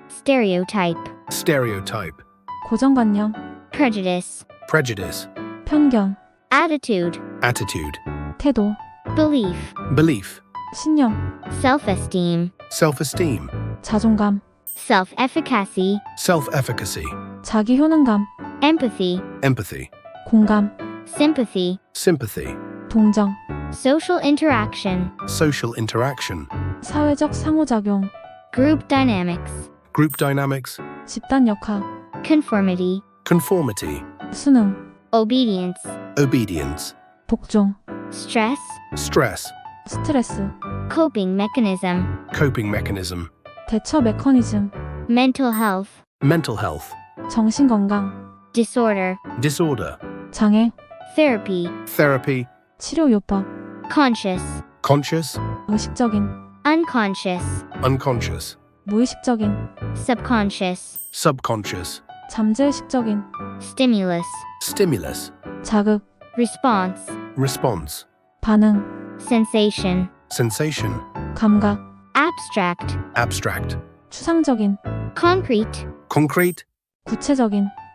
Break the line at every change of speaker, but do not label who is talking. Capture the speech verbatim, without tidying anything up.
stereotype,
stereotype,
고정관념,
prejudice,
prejudice,
편견,
attitude,
attitude,
태도,
belief,
belief,
신념,
self-esteem,
self-esteem,
자존감,
self-efficacy,
self-efficacy,
자기 효능감,
empathy,
empathy,
공감,
sympathy,
sympathy,
동정,
social interaction,
social interaction,
사회적 상호작용,
group dynamics,
group dynamics,
집단 역학,
conformity,
conformity,
수능,
obedience,
obedience,
복종,
stress,
stress,
스트레스,
coping mechanism,
coping mechanism,
대처 메커니즘,
mental health,
mental health,
정신건강,
disorder,
disorder,
장애,
therapy,
therapy,
치료요법,
conscious,
conscious,
의식적인,
unconscious,
unconscious,
무의식적인,
subconscious,
subconscious,
잠재의식적인,
stimulus,
stimulus,
자극,
response,
response,
반응,
sensation,
sensation,
감각,
abstract,
abstract,
추상적인,
concrete,
concrete,
구체적인,